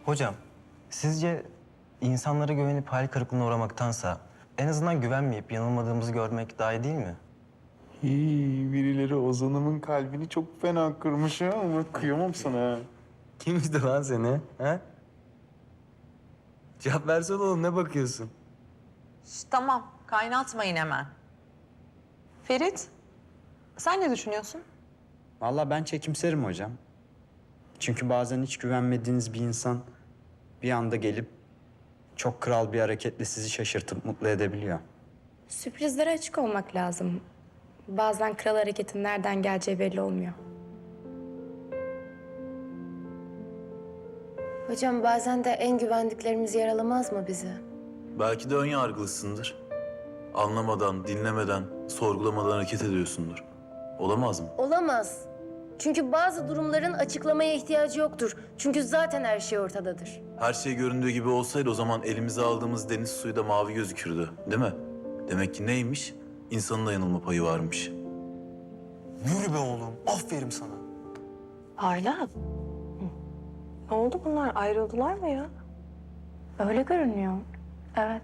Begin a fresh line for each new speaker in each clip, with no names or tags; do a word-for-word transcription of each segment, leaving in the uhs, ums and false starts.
Hocam, sizce insanlara güvenip hayal kırıklığına uğramaktansa en azından güvenmeyip yanılmadığımızı görmek daha iyi değil mi?
Hii, birileri Ozan'ımın kalbini çok fena kırmış ha ama kıyamam sana ha.
Kim üzdü lan seni? Ha? Cevap versene oğlum, ne bakıyorsun?
Şişt, tamam, kaynatmayın hemen. Ferit, sen ne düşünüyorsun?
Vallahi ben çekimserim hocam. Çünkü bazen hiç güvenmediğiniz bir insan bir anda gelip çok kral bir hareketle sizi şaşırtıp mutlu edebiliyor.
Sürprizlere açık olmak lazım. Bazen kral hareketin nereden geleceği belli olmuyor.
Hocam bazen de en güvendiklerimiz yaralamaz mı bizi?
Belki de ön yargılısındır. Anlamadan, dinlemeden, sorgulamadan hareket ediyorsundur. Olamaz mı?
Olamaz. Çünkü bazı durumların açıklamaya ihtiyacı yoktur. Çünkü zaten her şey ortadadır.
Her şey göründüğü gibi olsaydı o zaman elimize aldığımız deniz suyu da mavi gözükürdü, değil mi? Demek ki neymiş? İnsanın da yanılma payı varmış.
Yürü be oğlum, aferin sana.
Ayla. Ne oldu bunlar? Ayrıldılar mı ya?
Öyle görünüyor. Evet.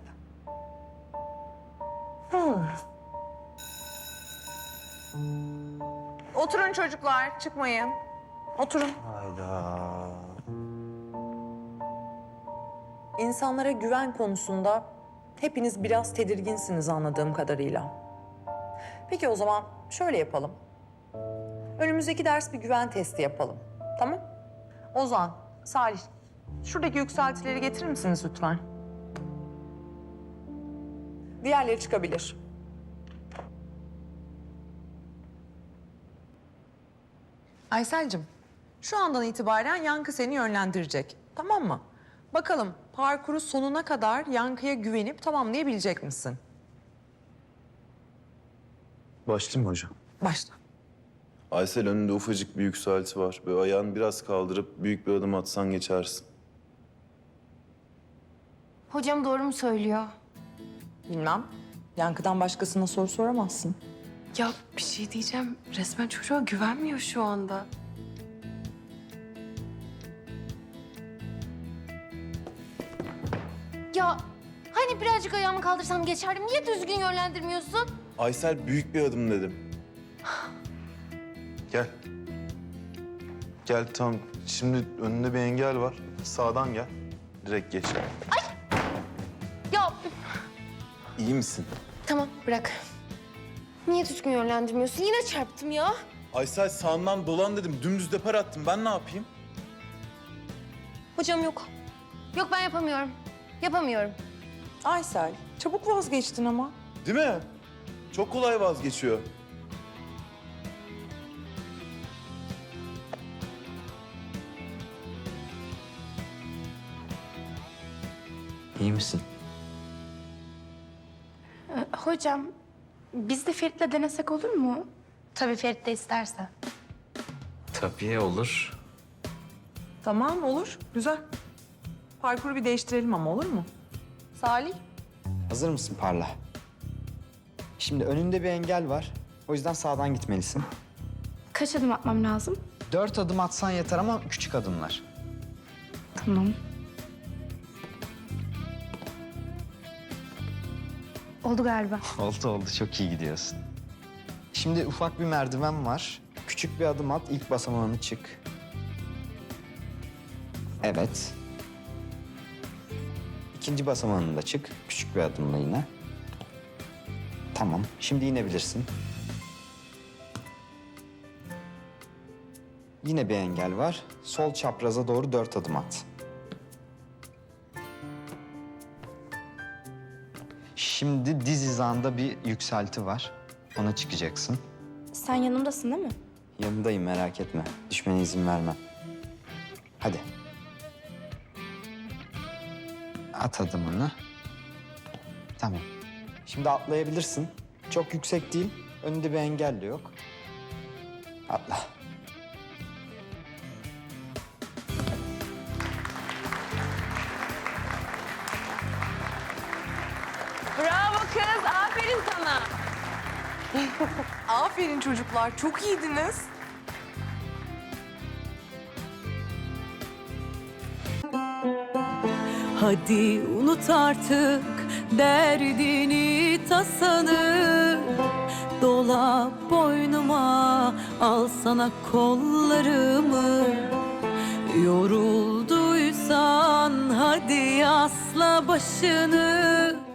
Hı. Oturun çocuklar, çıkmayın. Oturun.
Hayda.
İnsanlara güven konusunda hepiniz biraz tedirginsiniz anladığım kadarıyla. Peki o zaman şöyle yapalım. Önümüzdeki ders bir güven testi yapalım. Tamam? Ozan, Salih, şuradaki yükseltileri getirir misiniz lütfen? Diğerleri çıkabilir. Aysel'cim, şu andan itibaren Yankı seni yönlendirecek. Tamam mı? Bakalım parkuru sonuna kadar Yankı'ya güvenip tamamlayabilecek misin?
Başlayayım mı hocam?
Başla.
Aysel, önünde ufacık bir yükselti var. Böyle ayağını biraz kaldırıp büyük bir adım atsan geçersin.
Hocam doğru mu söylüyor?
Bilmem. Yankı'dan başkasına soru soramazsın.
Ya bir şey diyeceğim. Resmen çocuğa güvenmiyor şu anda.
Ya hani birazcık ayağımı kaldırsam geçerdim. Niye düzgün yönlendirmiyorsun?
Aysel, büyük bir adım dedim. Gel. Gel, tamam. Şimdi önünde bir engel var. Sağdan gel. Direkt geç.
Ya
İyi misin?
tamam bırak. Niye düzgün yönlendirmiyorsun? Yine çarptım ya.
Aysel, sağından dolan dedim. Dümdüz depar attım. Ben ne yapayım?
Hocam yok. Yok ben yapamıyorum. Yapamıyorum.
Aysel, çabuk vazgeçtin ama.
Değil mi? Çok kolay vazgeçiyor.
İyi misin?
Ee, hocam, biz de Ferit'le denesek olur mu? Tabii Ferit de isterse.
Tabii olur.
Tamam, olur. Güzel. Parkuru bir değiştirelim ama olur mu? Salih?
Hazır mısın Parla? Şimdi önünde bir engel var. O yüzden sağdan gitmelisin.
Kaç adım atmam lazım?
Dört adım atsan yeter ama küçük adımlar.
Tamam. Oldu galiba.
Oldu oldu, çok iyi gidiyorsun. Şimdi ufak bir merdiven var. Küçük bir adım at, ilk basamağını çık. Evet. İkinci basamağını da çık, küçük bir adımla yine. Tamam, şimdi inebilirsin. Yine bir engel var. Sol çapraza doğru dört adım at. Şimdi diz hizanda bir yükselti var. Ona çıkacaksın.
Sen yanımdasın değil mi?
Yanındayım, merak etme. Düşmene izin vermem. Hadi. At adımını. Tamam. Şimdi atlayabilirsin. Çok yüksek değil. Önünde bir engel de yok. Atla.
Bravo kız, aferin sana. Aferin çocuklar, çok iyiydiniz.
Hadi unut artık derdini tasanı, dola boynuma, al sana kollarımı. Yorulduysan hadi yasla başını,